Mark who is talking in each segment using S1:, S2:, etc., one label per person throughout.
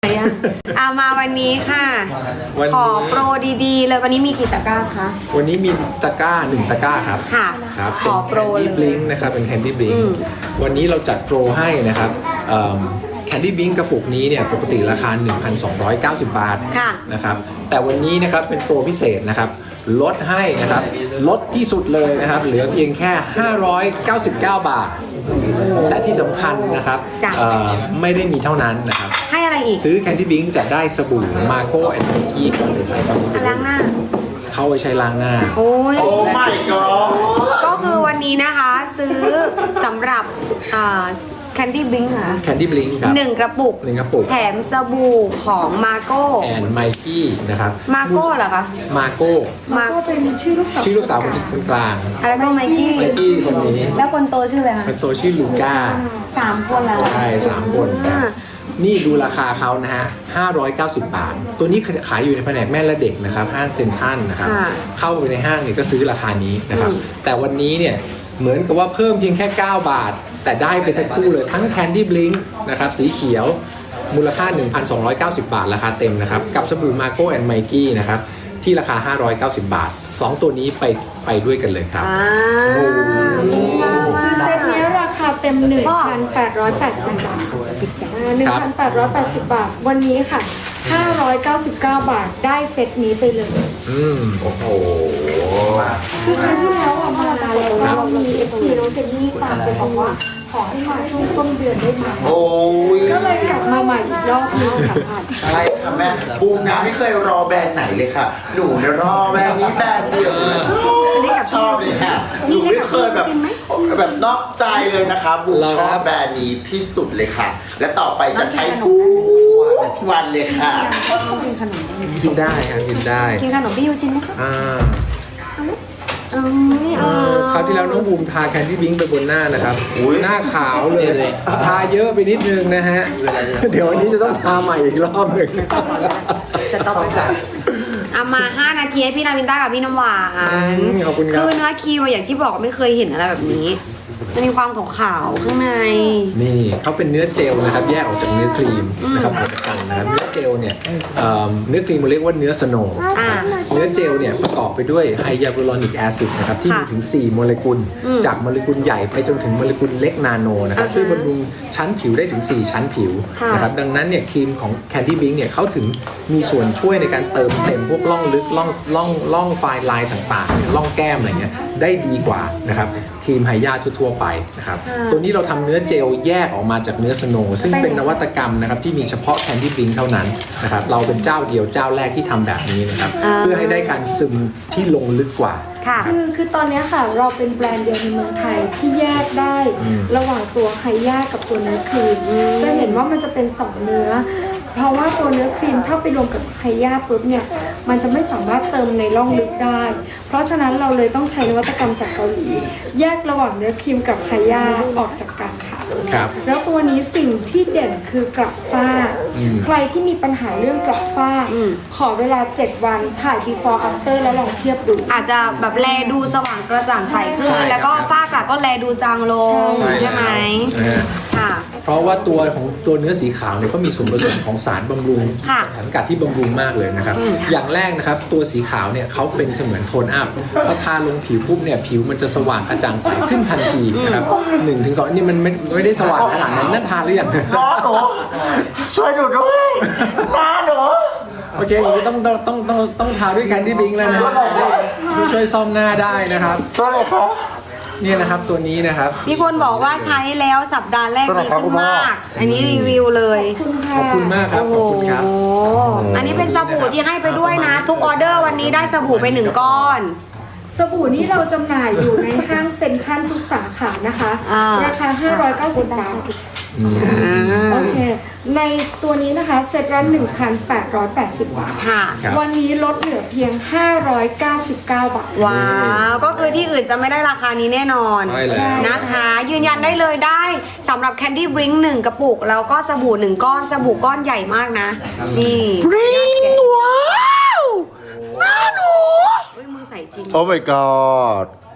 S1: มาวันนี้ค่ะขอโปรดีๆเลยวันนี้มีกี่ตะกร้าคะ
S2: วันนี้มีตะกร้า1 ตะกร้าครับ
S1: ค่ะ
S2: ครับ
S1: ขอโปรเลย
S2: Candy Blink นะครับเป็น Candy Blink วันนี้เราจัดโปรให้นะครับCandy Blink กระปุกนี้เนี่ยปกติราคา 1,290 บาทนะครับแต่วันนี้นะครับเป็นโปรพิเศษนะครับลดให้นะครับลดที่สุดเลยนะครับเหลือเพียงแค่ 599 บาทและที่สำคัญนะครับไม่ได้มีเท่านั้นนะครับ
S1: ให้อะไรอีก
S2: ซื้อ Candy Blink จะได้สบู่ Marco and Mikey ก่อนเลยใส่ก่อน
S1: ล้างหน้า
S2: เข้าไปใช้ล้างหน้า
S1: โอ้ย
S3: my god
S1: ก็คือวันนี้นะคะซื้อสำหรับCandy Blink ค่ะ
S2: Candy Blink ครับ
S1: 1 กระปุกแถมสบู่ของ Marco
S2: and Mikey นะครับ
S1: Marco เหรอคะ
S2: Marco
S1: เป็นชื่อลูกสาว
S2: คนกลาง
S1: แล้วก็ Mikey
S2: คนนี้
S1: แล้วคนโตชื่ออะไรคะ
S2: คนโตชื่อลูก้า
S1: 3 คนแล้ว
S2: ใช่3 คนนี่ดูราคาเขานะฮะ590 บาทตัวนี้ขายอยู่ในแผนกแม่และเด็กนะครับห้างเซ็นทรัลนะครับเข้าไปในห้างเนี่ยก็ซื้อราคานี้นะครับแต่วันนี้เนี่ยเหมือนกับว่าเพิ่มเพียงแค่9 บาทแต่ได้ไปทั้งคู่เลยทั้ง Candy Blink นะครับสีเขียวมูลค่า 1,290 บาทราคาเต็มนะครับกับสบู่ Marco and Mikey นะครับที่ราคา590 บาท2ตัวนี้ไปด้วยกันเลยครับ
S4: เซตนี้ราคาเต็ม 1,880 บาท1,880 บาทวันนี้ค่ะ599 บาทได้เซตนี้ไปเลย
S2: โอ้โห
S4: คือครั้งที่แล้วมาแล้วเรามี FC น้องเจนนี่ฝากไปบอกว่าขอให้มาช่วงต้นเดือนได้ไหมก็เลยกลับมาใหม่อีกรอบนึงค่ะ
S3: ใช่ค่ะแม่บูมนะไม่เคยรอแบรนด์ไหนเลยค่ะหนูเนี่ยรอแบรนด์นี้แบรนด์เดียวชอบเลยค่ะหนูไม่เคยแบบนอกใจเลยนะคะบูมชอบแบรนด์นี้ที่สุดเลยค่ะและต่อไปจะใช้ทุกวันเลยค่ะ
S2: กินได้ครับกินได้
S1: กินขนมพี่ยูจินไหมคะ
S2: คราวที่แล้วน้องบูมทา Candy Blink ไปบนหน้านะครับหน้าขาวเลยทาเยอะไปนิดนึงนะฮะเดี๋ยววันนี้จะต้องทาใหม่อีกรอบหนึ่ง
S1: จะต้องเอามา5 นาทีให้พี่นาวินต้ากับพี่น้ำหวาน
S2: ขอบคุณครับ
S1: คือเนื้อครีมอย่างที่บอกไม่เคยเห็นอะไรแบบนี้จะมีความขาวๆข้างใน
S2: นี่เขาเป็นเนื้อเจลนะครับแยกออกจากเนื้อครีมนะครับออกจากกันนะครับเนื้อเจลเนี่ยเนื้อครีมมันเรียกว่าเนื้อสโนว์เนื้อเจลเนี่ยประกอบไปด้วยไฮยาลูรอนิกแอซิดนะครับที่มีถึง4 โมเลกุลจากโมเลกุลใหญ่ไปจนถึงโมเลกุลเล็กนาโนนะครับช่วยบำรุงชั้นผิวได้ถึง4 ชั้นผิวนะครับดังนั้นเนี่ยครีมของ Candy Blink เนี่ยเขาถึงมีส่วนช่วยในการเติมเต็มพวกร่องลึกร่องไฟล์ลายต่างๆร่องแก้มอะไรเงี้ยได้ดีกว่านะครับครีมไฮยาทั่วไปนะครับตัวนี้เราทำเนื้อเจลแยกออกมาจากเนื้อสโนว์ซึ่งเป็นนวัตกรรมนะครับที่มีเฉพาะ Candy Blink เท่านั้นนะครับเราเป็นเจ้าเดียวเจ้าแรกที่ทำแบบนี้นะครับเพื่อให้ได้การซึมที่ลงลึกกว่า
S4: คือตอนนี้ค่ะเราเป็นแบรนด์เดียวในเมืองไทยที่แยกได้ระหว่างตัวไฮยากับตัวเนื้อครีมจะเห็นว่ามันจะเป็น2 เนื้อเพราะว่าตัวเนื้อครีมถ้าไปรวมกับไฮยาปุ๊บเนี่ยมันจะไม่สามารถเติมในร่องลึกได้เพราะฉะนั้นเราเลยต้องใช้นวัตกรรมจากเกาหลีแยกระหว่างเนื้อครีมกับไฮยาออกจากกันค่ะแล้วตัวนี้สิ่งที่เด่นคือกระฝ้าใครที่มีปัญหาเรื่องกระฝ้าขอเวลา7 วันถ่าย before after แล้วลองเทียบดู
S1: อาจจะแบบแลดูสว่างกระจ่างใสขึ้นแล้วก็ฝ้ากระก็แลดูจางลงใช่ไหมค่ะ
S2: เพราะว่าตัวของตัวเนื้อสีขาวเนี่ยก็มีส่วนผสมของสารบำรุงสารกัดที่บำรุงมากเลยนะครับอย่างแรกนะครับตัวสีขาวเนี่ยเขาเป็นเสมือนโทนอัพพอทาลงผิวปุ๊บเนี่ยผิวมันจะสว่างกระจ่างใสขึ้นทันทีนะครับ1-2นี่มันไม่ได้สว่างขนาดนั้นนั่นทาหรือยัง
S3: น้าหนูช่วยหนูด้วยน้าหนู
S2: โอเคต้องทาด้วยCandy Blinkแล้วนะช่วยซ่อมหน้าได้นะครับ
S3: ตัวไหนครับ
S2: นี่นะครับตัวนี้นะครับ
S1: มีคนบอกว่าใช้แล้วสัปดาห์แรกดีขึ้นมากอันนี้รีวิวเลย
S2: ขอบคุณมากครับขอบคุณครับ
S1: อันนี้เป็นสบู่ที่ให้ไปด้วยนะทุกออเดอร์วันนี้ได้สบู่ไป1 ก้อน
S4: สบู่นี้เราจำหน่ายอยู่ในห้างเซ็นทรัลทุกสาขานะคะราคา590 บาทโอเคในตัวนี้นะคะเซ็ตละ 1,880 บาทวันนี้ลดเหลือเพียง599 บาท
S1: ว้าวก็คือที่อื่นจะไม่ได้ราคานี้แน่นอนนะคะยืนยันได้เลยได้สำหรับ Candy Blink 1 กระปุกแล้วก็สบู่1 ก้อนสบู่ก้อนใหญ่มากนะนี่
S3: Blink ว้าวน่าหนู
S1: มือใส่จริง
S3: โอ้ my god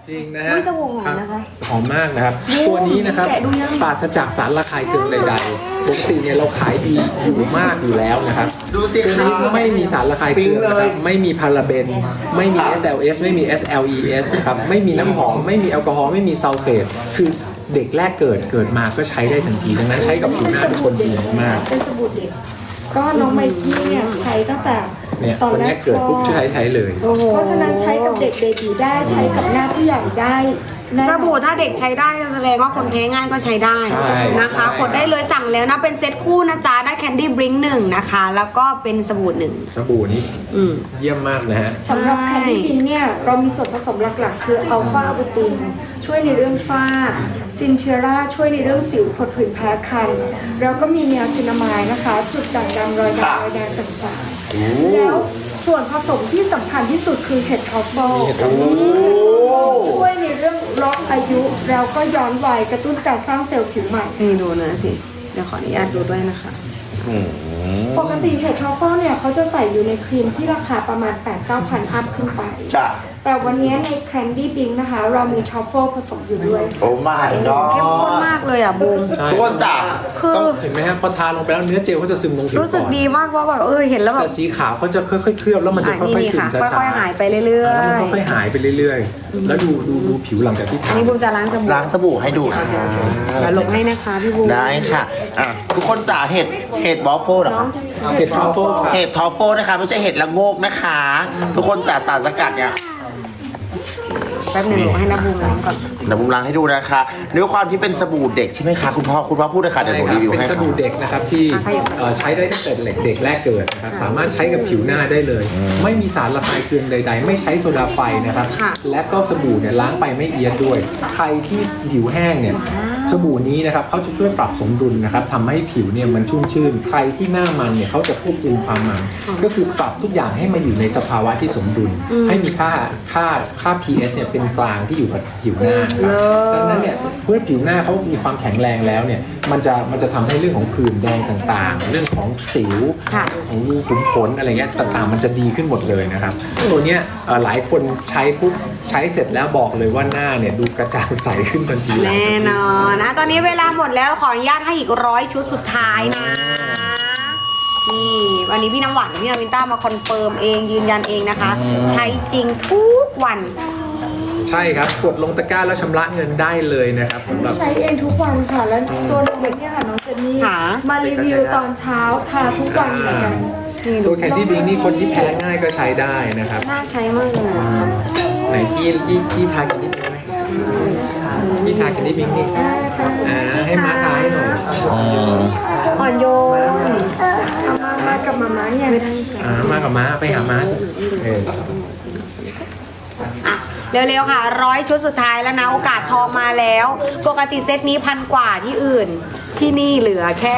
S2: จริงนะฮะ
S1: อุ๊ยสบู่หอมนะคะ
S2: หอมมากนะครับ ตัวนี้นะครับปราศจากสารระคายเคืองใดๆปกติเนี่ยเราขายดีอยู่มากอยู่แล้วนะครับ
S3: ดูสิ
S2: ตัว
S3: คะ
S2: นี้ไม่มีสารระคายเคืองนะครับไม่มีพาราเบนไม่มี SLS ไม่มี SLES นะครับไม่มีน้ำหอมไม่มีแอลกอฮอล์ไม่มีซัลเฟตคือเด็กแรกเกิดมาก็ใช้ได้ทันทีดังนั้นใช้กับผิวหน้าทุกคนดีมาก
S4: เป็นสบู่เด็กก็น้องไมกี้เนี่ยใช้ตั้งแต่
S2: เนี่ย
S4: ตอน
S2: คน
S4: แร
S2: นี้
S4: ก
S2: เกิดปุ๊บใช้เลย
S1: โอ้โห
S4: เพราะฉะนั้นใช้กับเด็กเบบีได้ใช้กับหน้าผู้ใหญ่ได้แน่น
S1: ส
S4: อน
S1: บู่ถ้าเด็กใช้ได้ก็แสดงว่าคนแพ้ง่ายก็ใช้ได้
S2: ใช่
S1: นะคะ
S2: ใช่
S1: กดได้เลยสั่งแล้วนะเป็นเซตคู่นะจ๊ะได้แคนดี้บริงหนึ่งนะคะ แล้วก็เป็นสบู่หนึ่ง
S2: สบู่นี้
S1: อืม
S2: เยี่ยมมากนะฮะ
S4: สำหรับแคนดี้บินเนี่ยเรามีส่วนผสมหลักๆ คืออัลฟาอะบูตินช่วยในเรื่องฝ้าซินเทราช่วยในเรื่องสิวผดผื่นแพ้คันแล้วก็มีเนียซินามายนะคะจุดด่างดำรอยดำรอยแดงต่างๆแล้วส่วนผสมที่สำคัญที่สุดคือเห็ดทรัฟเฟิล
S2: มีเห็ดทรัฟเฟิล
S4: ช่วยในเรื่องล็อกอายุแล้วก็ย้อนวัยกระตุ้นการสร้างเซลล์ผิวใหม่
S1: นี่ดูนะสิ เดี๋ยวขออนุญาตดูด้วยนะคะ
S4: ปกติเห็ดทรัฟเฟิลเนี่ยเขาจะใส่อยู่ในครีมที่ราคาประมาณ 8-9 พันอัพขึ้นไป
S3: จ้ะ
S4: แต่วันนี้ในแคนดี้บิงนะคะ เรามีทรัฟเฟิลผสมอยู่ด้วย
S3: โอ้ my
S1: เข้มข้น
S3: god
S1: มากเลยอ่ะบูม
S2: ใช่
S3: ทุกคนจ้ะ
S1: คือ
S3: ต้อง
S2: เห็นไหมฮะพอทาลงไปแล้วเนื้อเจลเขาจะซึมลงผิว
S1: รู้สึก
S2: อน
S1: ดีมากว่าแบบเห็นแล้วแบบ
S2: แต่สีขาวเขาจะค่อยๆเคลือบแล้วมันจะค่อยๆซึม
S1: ค่ะ
S2: ช้า
S1: ค่อยๆหายไปเรื่อ
S2: ๆแล้วมัน
S1: ย
S2: ค่อยๆหายไปเรื่อยๆ แล้วดูผิวหลังจากที่
S1: ๆ อั
S2: ทาน
S1: นี้บูมจะล้างสบู่
S3: ล้างสบู่ให้ดูค่ะ
S1: เดี๋ยวลงให้นะคะพี่บูม
S3: ได้ค่ะอ่ะ ทุกคนจ๋าเห็ดวอฟเฟิลเหรอ
S1: น้อง
S3: คะ
S1: จะ
S2: เห็ดทรัฟเฟิลค่ะ
S3: เห็ดทอฟเฟิลนะคะ ไม่ใช่เห็ดละโงกนะคะ ทุกคนจ๋าสารสกัดเนี่ย
S1: แป๊บหนึงลงให้นะบูมล้างก่อน
S3: เดี๋ยวผมล้างให้ดูนะคะด้วยความที่เป็นสบู่เด็กใช่ไหมคะคุณพ่อพูดเลยค่ะเดี๋ยวผมรีวิว
S2: เป็น
S3: ให้
S2: ส
S3: ค่ะ
S2: บู่เด็กนะครับที่ใช้ได้ตั้งแต่เด็กแรกเกิดนะครับสามารถใช้กับผิวหน้าได้เลย ไม่มีสารระคายเคืองใด ๆ ไม่ใช้โซดาไฟนะครับ และก็สบู่เนี่ยล้างไปไม่เอียดด้วย ใครที่ผิวแห้งเนี่ยสบู่นี้นะครับเขาจะช่วยปรับสมดุลนะครับทำให้ผิวเนี่ยมันชุ่มชื่น ใครที่หน้ามันเนี่ยเขาจะควบคุมความมัน ก็คือปรับทุกอย่างให้มาอยู่ในสภาวะที่สมดุล ให้มีค่า pH เนี่ยเป็นกลางที่อยู่กับผิวหน้าครับดังนั้นเนี่ยเมื่อผิวหน้าเขามีความแข็งแรงแล้วเนี่ยมันจะทำให้เรื่องของผื่นแดงต่างๆ เรื่องของสิว
S1: ค่ะ
S2: ของรูขุมขนอะไรเงี้ยต่างๆมันจะดีขึ้นหมดเลยนะครับตัวเนี้ยหลายคนใช้ปุ๊บใช้เสร็จแล้วบอกเลยว่าหน้าเนี่ยดูกระจ่างใสขึ้นทันที
S1: แน่นอนนะตอนนี้เวลาหมดแล้วขออนุญาตให้อีก100 ชุดสุดท้ายนะ นี่วันนี้พี่น้ำหวานกับพี่นาวินต้ามาคอนเฟิร์มเองยืนยันเองนะคะ ใช้จริงทุกวัน
S2: ใช่ครับกดลงตะกร้าแล้วชำระเงินได้เลยนะครับสำหรับ
S4: ใช้เองทุกวันค่ะ แล้วตัวเด็กเนี่ยค่ะน้องเจนนี่
S1: ค่ะ
S4: มารีวิวตอนเช้าทาทุกวันเหมือนกัน
S1: นี่ดู
S2: ตัวแคนดี้บิงนี่คนที่แพ้ง่ายก็ใช้ได้นะครับ
S1: น่าใช้มากเลยอะ
S2: ไหนที่ทาแคนดี้บิงไหมที่ทาแคนดี้บิงนี่ให้ม้าทาให้หน่อย
S1: อ่อนโยน
S4: เอามากับมาม่าเนี่ย
S2: มากับม้าไปหาม้าเออ
S1: อ่ะเร็วๆค่ะ100 ชุดสุดท้ายแล้วนะโอกาสทองมาแล้ว ปกติเซตนี้1,000 กว่าที่อื่น ที่นี่เหลือแค่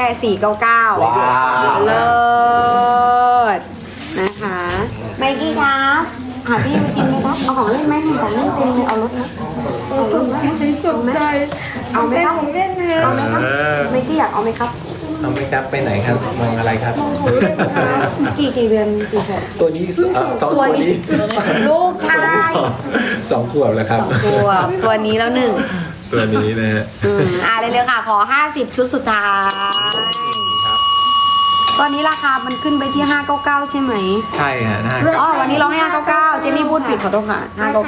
S1: 499
S3: ว้าว
S1: เลิศนะคะไมกี้ครับหาพี่มากินไหมครับเอาของเล่นไหมมีของเล่นเต็มเลยเอารถไหม
S4: สนใจสนใจ
S1: เอาไหมครับ
S4: ของเล่นนะ
S1: เอาไหมครับไมกี้อยากเอาไหมครับ
S2: เอาไหมครับไปไหนครับมองอะไรครับ
S1: กี่เดือนกี่ขวบ
S2: ตัวนี้สองตัวนี้
S1: ลูกชาย
S2: 2 ขวบแล้วครับ
S1: ตัวนี้แล้วหนึ่ง
S2: ตัวนี้นะฮะ
S1: เร็วๆค่ะ ขอ 50 ชุดสุดท้าย ตอนนี้ราคามันขึ้นไปที่ 599 ใช่ไหม
S2: ใช่ฮะน่า
S1: อ๋อ วันนี้เราให้ 599 เจนนี่พูดผิดขอโทษค่ะ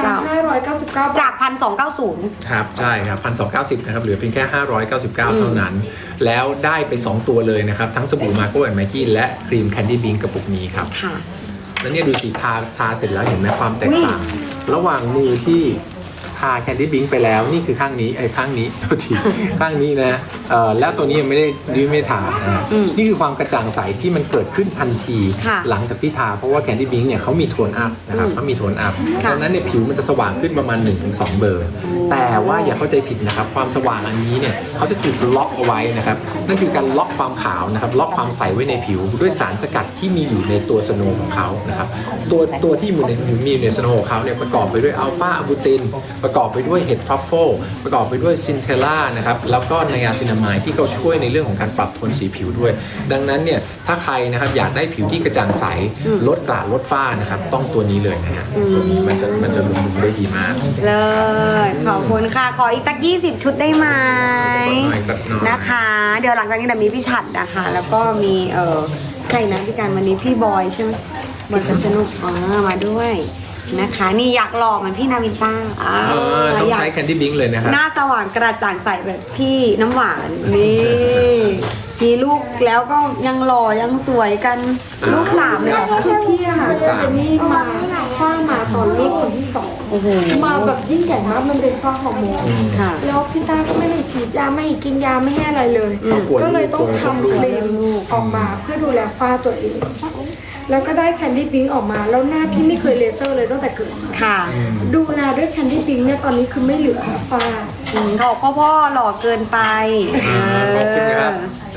S4: 599
S1: 599 จาก 1,290
S2: ครับใช่ครับ1,290นะครับเหลือเพียงแค่ 599 เท่านั้น แล้วได้ไป 2 ตัวเลยนะครับ ทั้งสบู่มาโก้แอนด์ไมกี้และครีมแคนดี้บิงกระปุกนี้ครับ
S1: ค่ะ
S2: แล้วเนี่ยดูสีทาเสร็จแล้วเห็นไหมความแตกต่าง ระหว่างมือที่ทาแคนดี้บิงไปแล้วนี่คือข้างนี้ข้างนี้ โทษทีข้างนี้นะแล้วตัวนี้ยังไม่ได้ทานะนี่คือความกระจ่างใสที่มันเกิดขึ้นทันที
S1: ค่ะ
S2: หลังจากที่ทาเพราะว่าแคนดี้บิงเนี่ยเขามีโทนอัพนะครับเขามีโทนอัพ
S1: ค่ะ
S2: ดังนั้นเนี่ยผิวมันจะสว่างขึ้นประมาณ 1-2 เบอร์ แต่ว่าอย่าเข้าใจผิดนะครับความสว่างอันนี้เนี่ยเขาจะถูกล็อกเอาไว้นะครับนั่นคือการล็อกความขาวนะครับล็อกความใสไว้ในผิวด้วยสารสกัดที่มีอยู่ในตัวสโนว์ของเขานะครับตัวที่มีอยู่ในสโนว์ของเขาเนี่ยประกอบไปด้วยอัลฟาอะบูตินประกอบไปด้วยเห็ดทรัฟเฟิลประกอบไปด้วยซินเทล่านะครับแล้วก็ไนอาซินามายที่เขาช่วยในเรื่องของการปรับโทนสีผิวด้วย ดังนั้นเนี่ยถ้าถ้าใครนะครับอยากได้ผิวที่กระจ่างใสลดกระลดฝ้านะครับต้องตัวนี้เลยนะฮะตัวนี้มันจะบำรุงได้ดีมาก
S1: เลยขอบคุณค่ะ ขออีกสัก20 ชุดได้ไหม
S2: หน่อย
S1: นะคะ เดี๋ยวหลังจากนี้เดี๋ยวมีพี่ฉัดนะคะ แล้วก็มีใครนะพี่การวันนี้พี่บอยใช่ไหมบอยสนุกมาด้วยนะคะ นี่อยากหล่อเหมือนพี่นาวินต้า
S2: ต้องใช้แคนดี้บิงเลยนะครับ
S1: หน้าสว่างกระจ่างใสแบบพี่น้ำหวานนี่มีลูกแล้วก็ยังหล่อยังสวยกันลูก3เลยเหรอคะ
S4: คือพี่อะค่ะเจนนี่มาฝ้ามาตอนลูกคนที่สอง
S1: โอ้โห
S4: มาแบบยิ่งใหญ่มากมันเป็นฝ้าฮอร์โมน
S1: ค่ะ
S4: แล้วพี่ต้าก็ไม่ให้ฉีดยาไม่ให้กินยาไม่ให้อะไรเลย
S2: กลัว
S4: ก็เลยต้อง
S2: ลูก
S4: ทำครีมออกมาเพื่อดูแลฝ้าตัวเอง แล้วก็ได้แคนดี้พิงค์ออกมา แล้วหน้าพี่ไม่เคยเลเซอร์เลยตั้งแต่เกิดมา
S1: ค่ะ
S4: ดูแลด้วยแคนดี้พิงค์เนี่ยตอนนี้คือไม่เหลือฝ้า
S1: เขาบอกพ่อหล่อเกินไป
S2: ขอบคุณครับ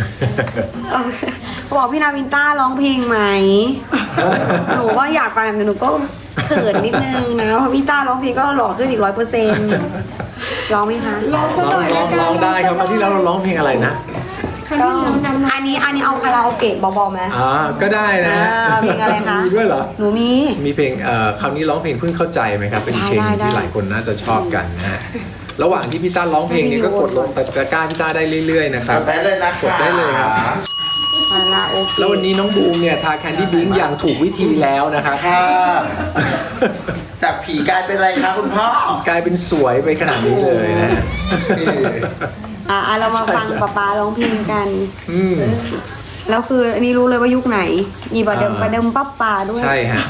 S1: เขาบอกพี่นาวินต้าร้องเพลงไหม หนูก็อยากฟังแต่หนูก็เขินนิดนึงนะเพราะพี่ต้าร้องเพลงก็หล่อขึ้นอีก100%ร้องไหมคะ
S4: ลองสักหน่อยละกัน
S2: ร้องได้ครับคราวที่แล้วเราร้องเพลงอะไรนะ
S4: ครั้ง
S1: ก็
S4: ที่แล้วนั้น
S1: อันนี้เอาคาราโอเกะเบาๆไหม
S2: ก็ได้นะฮะ
S1: เพลงอะไรคะ
S2: มีด้วยเหรอ
S1: หนูมี
S2: มีเพลงคราวนี้ร้องเพลงเพิ่งเข้าใจไหมครับ เป็นเพลง
S1: ได้
S2: ที่หลายคนน่าจะชอบกันนะฮะ ระหว่างที่พี่ต้าร้องเพลงนี้ก็กดลงตะกร้าพี่ต้าได้เรื่อยๆนะครับ
S3: ได้เลยนะคะ
S2: กดได้เลยครับ
S1: คาราโอเกะ
S2: แล้ววันนี้น้องบูมเนี่ยทาแคนดี้บิงอย่างถูกวิธีแล้วนะครับ
S3: ค่ะ จากผีกลายเป็นอะไรคะคุณพ่อ
S2: กลายเป็นสวยไปขนาดนี้เลยนะฮะ
S1: เรามาฟังป๊าร้องเพลงกัน
S2: อืม
S1: แล้วคืออันนี้รู้เลยว่ายุคไหน มีประเดิมปั๊บปาด้วย
S2: ใช่ฮะ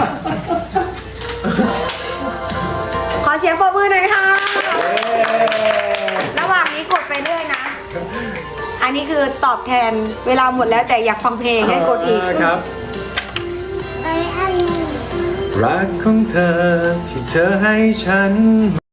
S1: ขอเสียงปรบมือหน่อยค่ะ ระหว่างนี้กดไปเรื่อยนะ อันนี้คือตอบแทนเวลาหมดแล้วแต่อยากฟังเพลงให้กดอีก
S2: ครับ รักของเธอที่เธอให้ฉัน